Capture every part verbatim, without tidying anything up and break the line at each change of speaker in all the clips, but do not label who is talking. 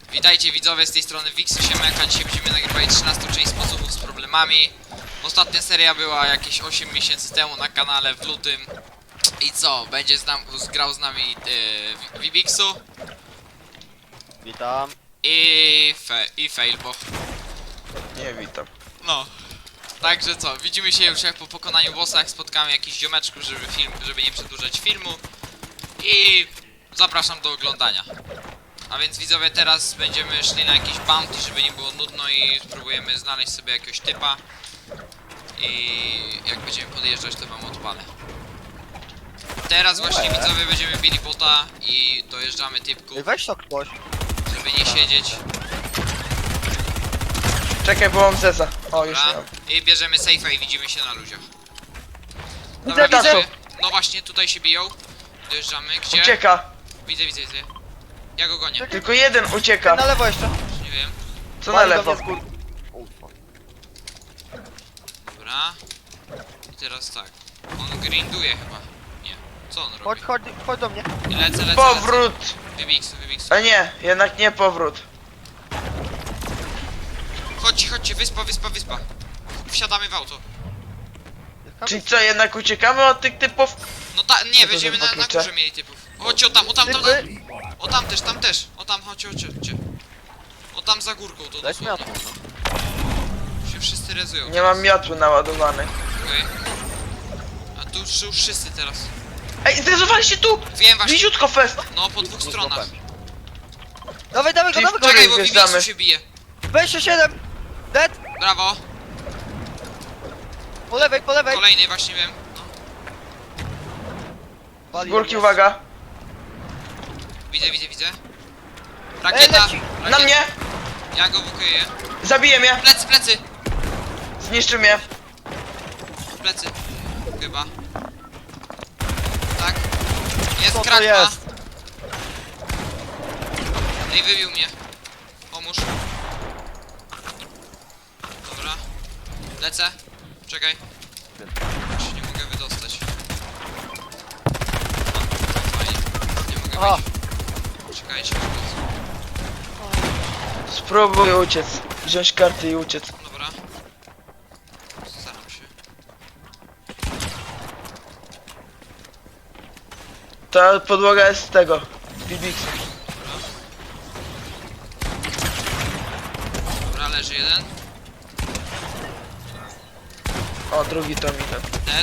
Witajcie widzowie, z tej strony Wiksu Siemeka. Dzisiaj będziemy nagrywali trzynastą część sposobów z problemami. Ostatnia seria była jakieś osiem miesięcy temu na kanale w lutym. I co? Będzie z nam, grał z nami yy, Vibiksu
Witam.
i, fe, i Failbo.
Nie, witam.
No. Także co, widzimy się już jak po pokonaniu bossa, jak spotkamy jakichś ziomeczków, żeby film, żeby nie przedłużać filmu. I zapraszam do oglądania. A więc widzowie, teraz będziemy szli na jakiś bounty, żeby nie było nudno i spróbujemy znaleźć sobie jakiegoś typa. I jak będziemy podjeżdżać, to wam odpalę. Teraz właśnie widzowie będziemy bili bota i dojeżdżamy typków,
Ej, weź to ktoś.
żeby nie siedzieć.
Czekaj, bo mam zeza. O, już nie
Dobra.
mam.
I bierzemy safe'a i widzimy się na ludziach.
Widzę,
widzę.
widzę.
No właśnie, tutaj się biją. Dojeżdżamy. Gdzie?
Ucieka.
Widzę, widzę, widzę. Ja go gonię.
Tylko jeden ucieka.
Na lewo jeszcze.
Nie wiem.
Co na
Wali do
lewo?
mnie z góry.
Dobra. I teraz tak. On grinduje chyba. Nie. Co on robi?
Chodź, chodź, chodź do mnie.
I lecę, lecę,
Powrót.
lecę. Wybiksu, wybiksu.
A nie, jednak nie powrót.
Chodźcie, chodźcie, wyspa, wyspa, wyspa. Wsiadamy w auto.
Czyli co, jednak uciekamy od tych typów?
No ta, nie,
to
będziemy
za
na, na
klucze?
górze mieli typów. Chodźcie o tam, o tam, tam, tam.
Typy.
O tam też, tam też. O tam, chodźcie, chodźcie, chodźcie. O tam za górką to
Dać
dosłownie.
miotło, no.
Się wszyscy rezują.
Nie mam miotły naładowanych.
Okej. A tu już, już wszyscy teraz.
Ej, zrezowali się tu!
Wiem właśnie.
Bliziutko fest!
No, po dwóch stronach.
Dawaj, dawaj go,
Czyli
dawaj
w
go.
której
Czekaj, bo
wjeżdżamy?
Vibiksu się bije.
dwadzieścia siedem. Dead.
Brawo.
Po lewej, po lewej.
Kolejny właśnie wiem. No,
Z
Wali
górki,
do mnie.
uwaga.
widzę, widzę, widzę.
Ej,
Rakieta.
leci.
rakieta.
Na mnie!
Ja go wykuję.
Zabije mnie!
Plecy, plecy.
Zniszczy mnie!
Plecy. Chyba. Tak. Jest
Co to
krak ma.
jest?
Ej, wybił mnie. Pomóż. Dobra. Lecę. Czekaj. Ja się nie mogę wydostać. O, fajnie. Nie mogę
Aha.
wyjść. Czekajcie.
Spróbuj uciec. Wziąć karty i uciec.
Dobra. Staram się.
Ta podłoga jest z tego. Bibiksu.
Dobra, leży jeden.
O, drugi to minę.
Dead.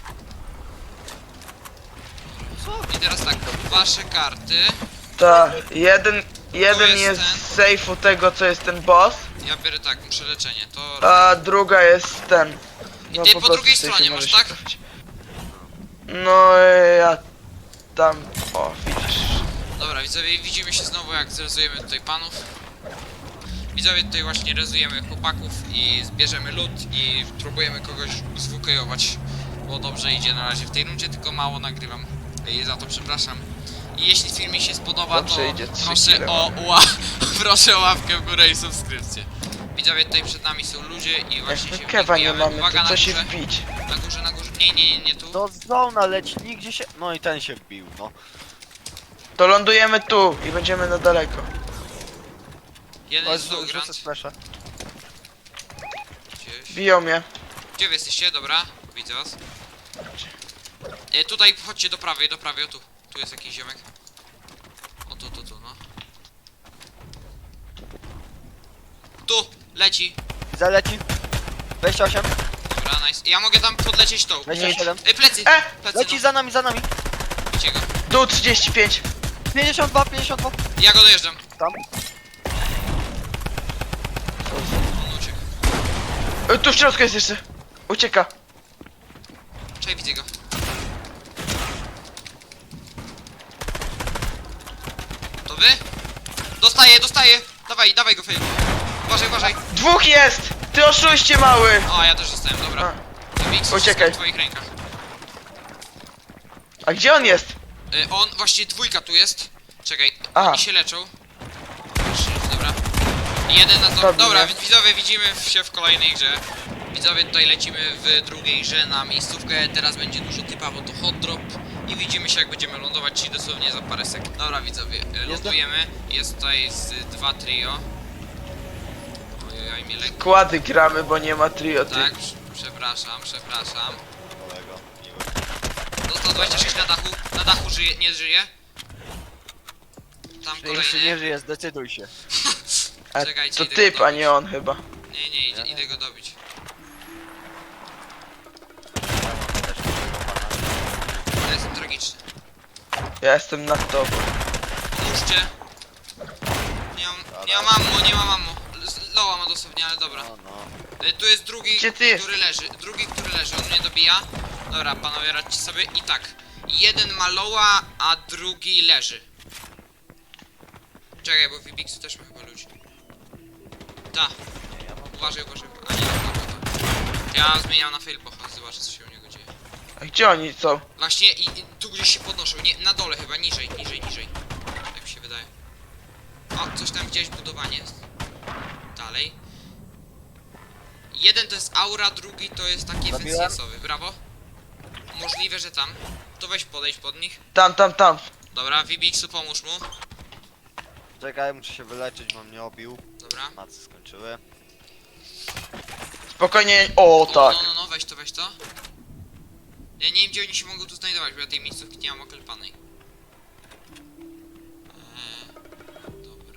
I teraz tak, wasze karty.
Ta, jeden, jeden
jest
jest
ten.
z sejfu tego, co jest ten boss,
Ja biorę tak, muszę leczenie. To.
a druga jest ten.
I
No,
ty
po
po
prostu
drugiej
w sejfie
stronie
może
masz,
się
tak?
trafić. No, e, ja tam, o, widzisz.
Dobra, widzowie, widzimy się znowu, jak zrezujemy tutaj panów. Widzowie, tutaj właśnie rezujemy chłopaków i zbierzemy lód i próbujemy kogoś zwukejować. Bo dobrze idzie na razie w tej rundzie, tylko mało nagrywam. I za to przepraszam. I jeśli film mi się spodoba,
Dobrze
to
idzie, trzy
proszę
kile
o, ła proszę o łapkę w górę i subskrypcję. Widzowie, tutaj przed nami są ludzie i właśnie
Jak
się
my kewa nie
wbijamy.
mamy,
Uwaga,
to
na
co się
górze,
wbić?
na górze, na górze. Nie, nie, nie, nie tu.
Do zona leci, nigdzie się... No i ten się wbił, no.
To lądujemy tu i będziemy na daleko.
Jeden
Chodź,
jest
rzu-
Logrand.
rzucę splaша.
Gdzieś.
Biją mnie.
Gdzie wy jesteście? Dobra, widzę was. E, tutaj chodźcie do prawej, do prawej, o tu. Tu jest jakiś ziomek. O tu, tu, tu, no. Tu, leci.
Zaleci. dwadzieścia osiem.
Dobra, nice. Ja mogę tam podlecieć tą.
dwadzieścia siedem.
E, plecy,
E!
plecy,
Leci
no.
za nami, za nami.
Bicie go.
Tu trzydzieści pięć.
pięćdziesiąt dwa, pięćdziesiąt dwa.
Ja go dojeżdżam.
Tam.
On uciekł.
E, tu w środku jest jeszcze. Ucieka.
Czekaj, widzę go. To wy? Dostaję, dostaję. Dawaj, dawaj go, Fejl. Uważaj, uważaj.
Dwóch jest! Ty oszuście mały!
O, ja też dostałem, dobra. Mix,
Uciekaj.
w twoich rękach.
A gdzie on jest?
Y, on, właśnie dwójka tu jest. Czekaj,
Aha.
oni się leczą. Dobra. I jeden na to.
Dobrze.
Dobra, więc widzowie, widzimy się w kolejnej grze. Widzowie, tutaj lecimy w drugiej grze na miejscówkę. Teraz będzie dużo typa, bo to hot drop. i widzimy się jak będziemy lądować, czyli dosłownie za parę sekund. Dobra widzowie, e, lądujemy, jest tutaj z dwa trio. Ojej, mnie lekko.
Kłady gramy, bo nie ma trio, ty.
Tak, prz- przepraszam, przepraszam.
Kolego, miły.
Dostał dwadzieścia sześć na dachu, na dachu żyje, nie żyje. Tam
Jeśli nie
kolejny.
żyje, zdecyduj się.
A
Czekajcie,
to
idę
typ,
go
a
dobić.
nie on chyba.
Nie, nie, idę, idę go dobić. Ja jestem tragiczny.
Ja jestem nad tobą.
Pomóżcie. Nie mam, nie mam ammo, nie mam ammo. Z- Loła ma dosłownie, ale dobra.
No, no.
Y, Tu jest drugi,
Gdzie ty
który leży. Drugi, który leży, on mnie dobija. Dobra, panowie, radźcie sobie. I tak. Jeden ma loła, a drugi leży. Czekaj, bo w Ibixu też ma chyba ludzi. Ta.
Nie, ja mam...
Uważaj, uważaj. A nie, dobra, to. Ja zmieniam na failpocha, zobaczę co się u niego dzieje.
A gdzie oni są?
Właśnie i, i tu gdzieś się podnoszą. Nie, na dole chyba, niżej, niżej, niżej. Tak mi się wydaje. O, coś tam gdzieś budowanie jest. Dalej. Jeden to jest aura, drugi to jest taki efekt
Zabiłem.
C S-owy. Brawo. Możliwe, że tam. To weź podejść pod nich.
Tam, tam, tam.
Dobra, Vibixu pomóż mu.
Czekaj, muszę się wyleczyć, bo mnie obił.
Dobra.
Macy skończyły.
Spokojnie. O,
O,
tak.
no, no, no, weź to, weź to. Ja nie wiem, gdzie oni się mogą tu znajdować, bo ja tej miejscówki nie mam oklepanej. Eee, dobra.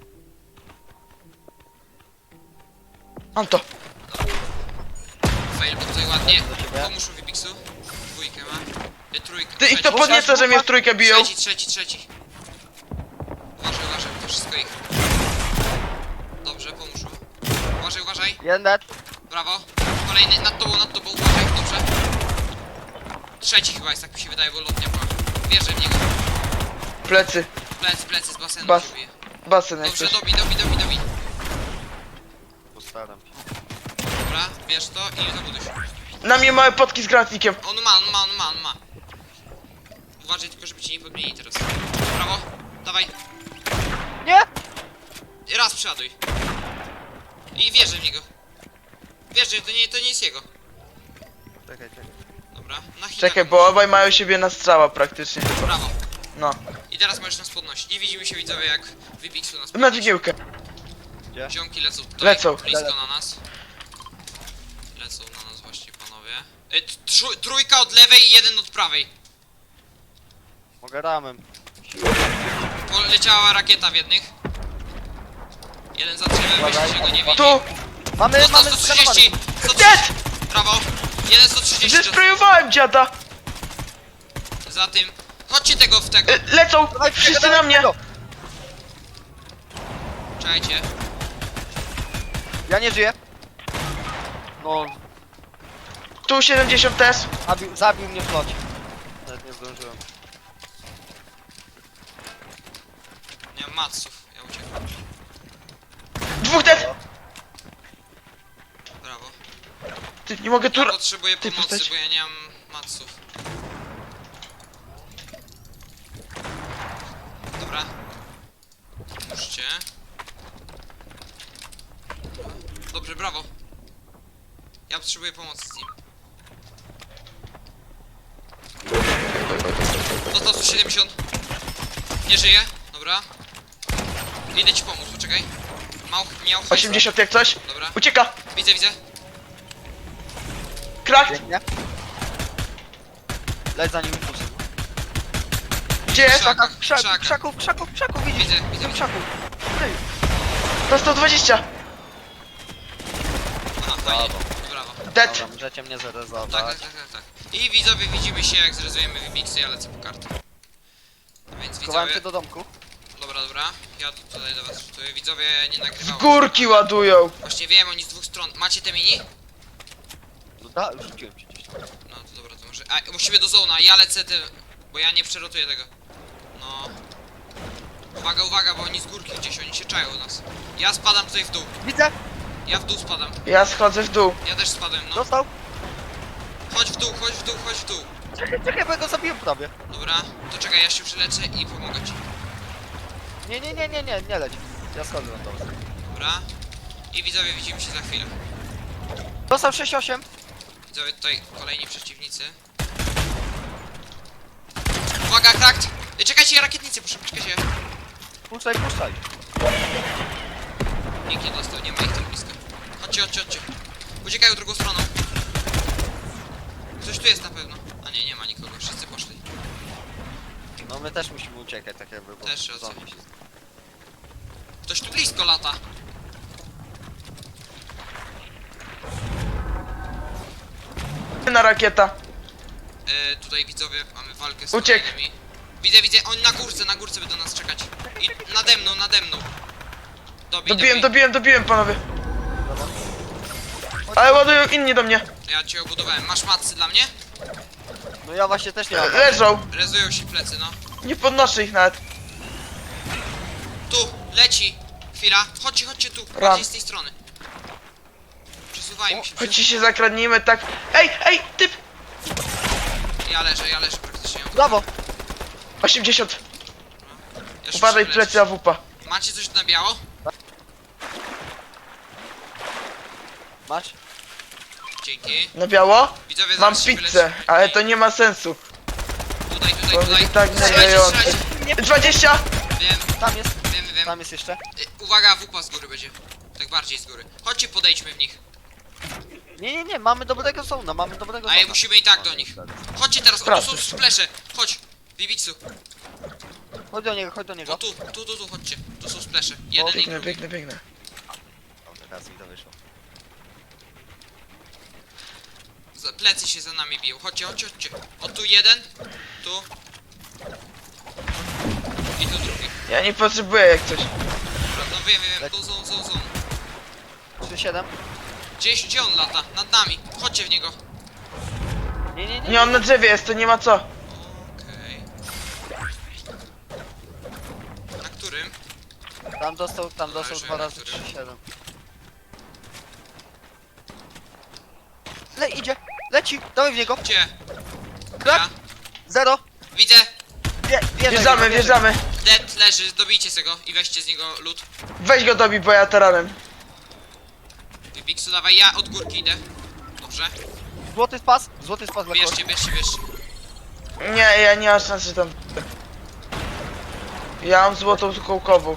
Mam to.
Fail, bo tutaj ładnie.
Do ciebie.
Pomóż mu Vibixu. Dwójkę ma. Y, trójkę.
Ty ich to
trzeci.
podnieca, że mnie w trójkę biją.
Trzeci, trzeci, trzeci. Uważaj, uważaj, to wszystko ich. Dobrze, pomóż mu. Uważaj, uważaj.
Jeden dead.
Brawo. Kolejny, nad tobą, nad tobą, uważaj, dobrze. Trzeci chyba jest, tak mi się wydaje, bo lotnia była. Wierzę w niego.
Plecy.
Plecy, plecy z basenu
Bas-
się bije.
Basen jak
Dobrze,
coś.
dobi, dobi, dobi, dobi.
Postaram się.
Dobra, bierz to i zabuduj się.
Na mnie małe potki z granatnikiem.
On ma, on ma, on ma, on ma. Uważaj tylko, żeby cię nie podmienili teraz. Brawo, dawaj.
Nie!
I raz przeładuj. I wierzę w niego. Wierzę, to nie, to nie jest jego.
Czekaj, czekaj.
Dobra, na hita.
Czekaj, bo obaj mają siebie na strzała praktycznie.
Brawo.
No.
I teraz możesz nas podnosić. I widzimy się widzowie jak Wybixu nas
Na
podniesie.
dźwigiełkę.
Gdzie?
Ziomki lecą tutaj,
Lecą.
blisko na nas. Lecą na nas właśnie panowie. Y, tr- trójka od lewej i jeden od prawej.
Mogę ramem.
Poleciała rakieta w jednych. Jeden za drzewem,
Uważaj.
myślę, że go nie widzi.
Tu!
Mamy,
Dostał
mamy
sto trzydzieści! sto
Dead!
trzydzieści! Brawo! Jeden sto trzydzieści
Zesprayowałem dziada!
za tym. Chodźcie tego w tego.
Y, Lecą! Wszyscy na mnie!
Czekajcie.
Ja nie żyję. No,
Tu siedemdziesiąt też.
zabił, zabił mnie w locie. Nawet nie zdążyłem.
Nie mam matsów, ja uciekam.
Dwóch dead!
Brawo.
Ty, nie mogę tu...
Ja potrzebuję
Ty,
pomocy,
postać.
bo ja nie mam matsów. Dobra. Puszczcie. Dobrze, brawo. Ja potrzebuję pomocy z nim. Dostał sto siedemdziesiąt. Nie żyje. Dobra. Idę ci pomóc, poczekaj. Mał, miał hajs.
osiemdziesiąt jak coś.
Dobra.
Ucieka!
Widzę, widzę.
Krak!
Pięknie. Leć za nim impulsem.
Gdzie jest?
Krzaka,
Krzaków,
krzaka.
krzaków, krzaków, krzaków, widzisz?
Widzę, widzę, widzę.
Krzaków. Ty.
To sto dwadzieścia!
Aha, fajnie. Brawo.
Dead!
Dobra, możecie mnie
Tak,
zarezować.
tak, tak, tak, tak. I widzowie, widzimy się jak zrezujemy Wybixy, ja lecę po kartę. No więc
Schowałem
widzowie...
się do domku.
Dobra, dobra. Ja tutaj do was rzutuję. Widzowie, nie
Z
nagrywałem.
górki ładują!
Właśnie wiem, oni z dwóch stron. Macie te mini?
No da, rzuciłem ci gdzieś tam.
No to dobra, to może... A, musimy do zona, ja lecę te... Bo ja nie przerotuję tego. No... Uwaga, uwaga, bo oni z górki gdzieś, oni się czają u nas. Ja spadam tutaj w dół.
Widzę!
Ja w dół spadam.
Ja schodzę w dół.
Ja też spadłem, no.
Dostał!
Chodź w dół, chodź w dół, chodź w dół.
Czekaj, czekaj, bo ja go zabiłem prawie.
Dobra, to czekaj, ja się przelecę i pomogę ci.
Nie, nie, nie, nie, nie, nie leć. Ja schodzę na to.
Dobra. I widzowie, widzimy się za chwilę.
Dostał sześć osiem.
Widzowie, tutaj kolejni przeciwnicy. Uwaga, krakt! Y, Czekajcie, rakietnicy, proszę, czekajcie.
Puszczaj, puszczaj.
Nikt nie dostał, nie ma ich tam blisko. Chodźcie, chodźcie, chodźcie. Uciekają drugą stroną. Ktoś tu jest na pewno. A nie, nie ma nikogo, wszyscy poszli.
No my też musimy uciekać, tak jakby, bo
Też racja.
zombie się...
Ktoś tu blisko lata.
Na rakieta.
E, tutaj widzowie, mamy walkę z
Uciekł.
kolejnymi. Widzę, widzę, oni na górce, na górce będą nas czekać. I nade mną, nade mną. Dobij,
Dobiłem,
dobij.
dobiłem, dobiłem, panowie.
Dobra.
Ale ładują inni do mnie.
Ja cię obudowałem. Masz macy dla mnie?
No ja właśnie też nie mam.
Leżą.
Rezują się plecy, no.
Nie podnoszę ich nawet.
Tu, leci. Chwila, chodźcie, chodźcie tu.
Ram.
Bardziej z tej strony. Przesuwajmy się.
Chodźcie się zakradnijmy tak. Ej, ej, typ.
Ja leżę, ja leżę praktycznie.
Brawo!
osiemdziesiąt.
Ja się
Uważaj,
muszę
plecy A W P.
leczyć. Macie coś na biało?
Masz?
Dzięki.
Na biało?
Widzowie,
Mam
zaraz się
pizzę,
wyleczy.
ale to nie ma sensu.
Tutaj, tutaj,
Bo
tutaj.
będzie tak
Strzelajcie,
nerwiające.
strzelajcie.
dwadzieścia.
Wiem,
Tam jest,
wiem, wiem.
tam jest jeszcze.
Y, Uwaga, wupa z góry będzie. Tak bardziej z góry. Chodźcie, podejdźmy w nich.
Nie, nie, nie, mamy dobrego zona, mamy dobrego
Ale
zona.
musimy i tak do nich. Chodźcie teraz, o, tu
Proszę.
są splesze. Chodź, Bibitsu.
Chodź do niego, chodź do
O
niego.
tu, tu, tu, tu, chodźcie. Tu są splesze. Jeden i
Biegnę,
drugi.
biegnę, biegnę.
O, teraz mi to wyszło.
Za- Plecy się za nami biją. Chodźcie, chodźcie, chodźcie. O tu jeden, tu. I tu drugi.
Ja nie potrzebuję jak coś.
Dobra, no wiem, wiem, wiem. Tu zon, zon, zon.
trzy siedem.
Gdzieś, gdzie on lata? Nad nami. Chodźcie w niego.
Nie, nie, nie.
Nie, on na drzewie jest, to nie ma co.
Okej. Na którym?
Tam dostał, tam
Dobra,
dostał
już
dwa
wiem,
razy
który.
trzy siedem. Le, idzie, leci, dawaj w niego.
Gdzie?
Krak,
Ja.
zero.
Widzę.
Wie, wjeżdżaj,
Wjeżdżamy,
wjeżdżaj.
wjeżdżamy.
Dead leży, dobijcie z tego i weźcie z niego loot.
Weź go dobij, bo ja taranem.
Bibiksu, dawaj, ja od górki idę. Dobrze.
Złoty spas, złoty spas dla kogoś.
Bierzcie, bierzcie, bierzcie.
Nie, ja nie mam szansy tam. Ja mam złotą kołkową.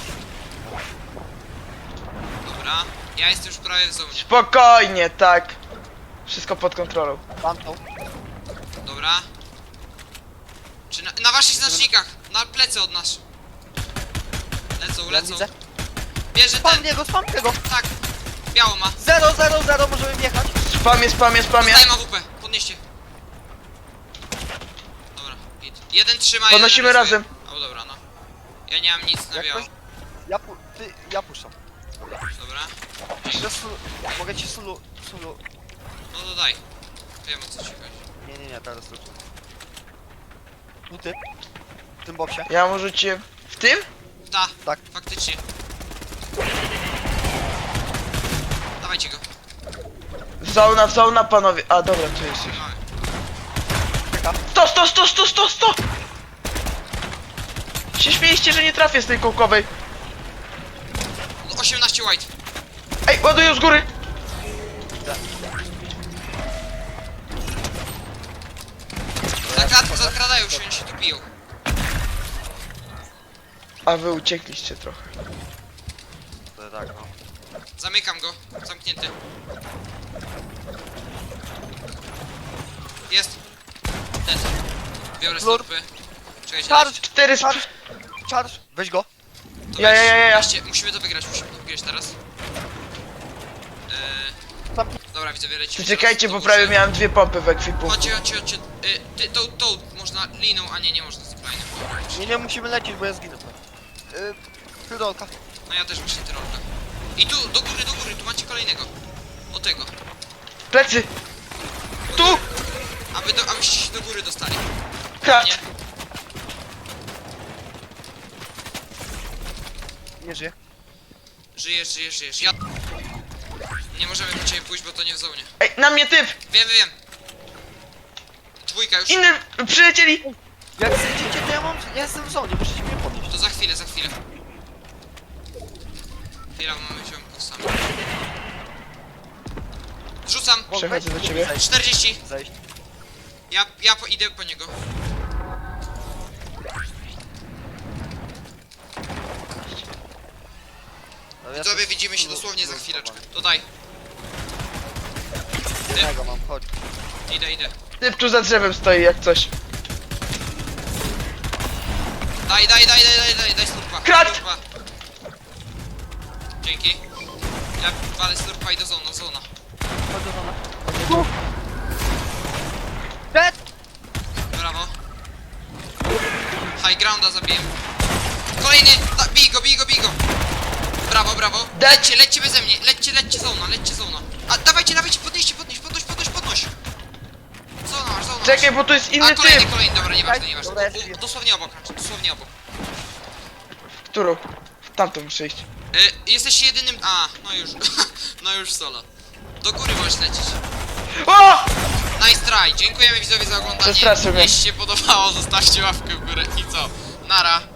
Dobra. Ja jestem już prawie w zonie.
Spokojnie, tak. Wszystko pod kontrolą.
Tamtą.
Dobra. Czy na, na waszych znacznikach? Na plecy od nas. Lecą,
Ja
lecą.
widzę.
Bierze
Spam
ten.
niego, spam niego.
Tak. Biało ma.
Zero, zero, zero, możemy wjechać.
Spamie, spamie, spamie.
Daj ma W P. Podnieście. Dobra, git. Jeden trzyma,
Podnosimy
jeden rysuje.
razem.
O dobra, no. Ja nie mam nic na
Jak
biało.
ktoś- Ja pu... ty, ja puszczam. Dobra.
Dobra.
Jeszcze sulu, mogę ci sulu, sulu.
No to daj. Wiem o co ci chodzi.
Nie, nie, nie, teraz luczę. Tu ty. W tym boksie.
Ja mu rzuciłem. W tym?
Ta,
Tak.
faktycznie. Dawajcie go.
Zona, zona, panowie. A, dobra, tu jest już.
Mamy.
Czeka.
sto, sto, sto, sto, sto, sto! Się śmieliście, że nie trafię z tej kołkowej.
No, osiemnaście white.
Ej, ładują z góry.
Zakrad, zakradają się, oni się tu biją.
A wy uciekliście trochę.
To tak, no.
Zamykam go. Zamknięty. Jest. Ten. Biorę
Lur.
stopy. Czekajcie.
Charge,
Cztery sp...
charge, charge. Weź go.
To
Ja, ja, ja, ja.
weźcie, musimy to wygrać, musimy to wygrać teraz. Eee,
Tam.
dobra, widzę, lecimy
To
teraz
czekajcie,
do
bo
góry.
prawie miałem dwie pompy w ekwipunku.
Chodźcie, chodźcie, chodźcie. Yy, ty, tą, tą można liną, a nie, nie można z kolejnym.
Nie, nie musimy lecieć, bo ja zginę. Yy, Tyrolka.
No ja też właśnie tyrolka. I tu, do góry, do góry, tu macie kolejnego. O tego.
Plecy!
Do
Tu!
góry. Aby do, abyście się do góry dostali.
Krak!
Nie?
Nie żyje.
Żyjesz, żyjesz, żyjesz. Ja... Nie możemy do ciebie pójść, bo to nie w zonie.
Ej, na mnie typ!
Wiem, wiem. Dwójka już.
Inny! Przylecieli!
Jak zjedziecie, to ja mam... Ja jestem w zonie, musicie mnie podnieść.
To za chwilę, za chwilę. Chwila, bo mamy ziomków sami. Rzucam.
Bo
Przechodzę
weź-
do ciebie.
Zejść.
czterdzieści.
Zejść.
Ja, ja po, idę po niego.
No ja
Widzowie,
tu
widzimy się
tu-
dosłownie za
tu-
chwileczkę. Tutaj,
Jednego mam, chodź.
idę, idę.
Typ tu za drzewem stoi jak coś.
Daj, daj, daj, daj, daj, daj, daj slurpa.
Krat!
Slurpa. Dzięki. Ja walę slurpa i do zona, zona.
Chodź do zona. Tu! Dead!
Brawo. High grounda zabiłem. Kolejny! Da, bij go, bij go, bij go! Brawo, brawo!
Dead.
Lećcie, lećcie beze mnie! Lećcie, lećcie zona, lećcie zona! A dawajcie, dawajcie, podnieście, podnieś, podnoś, podnoś, podnoś! Zona masz, zona masz.
Czekaj, bo tu jest
A
inny
kolejny,
typ.
kolejny, dobra, nieważne, nieważne.
Dobra, jest,
U,
jest.
dosłownie obok, dosłownie obok.
W którą? W tamtą muszę iść.
Y, jesteście jedynym... A, no już, no już solo. Do góry możesz lecieć.
O!
Nice try, dziękujemy widzowie za oglądanie.
Przestraszył mnie.
Jeśli się podobało, zostawcie łapkę w górę i co? Nara.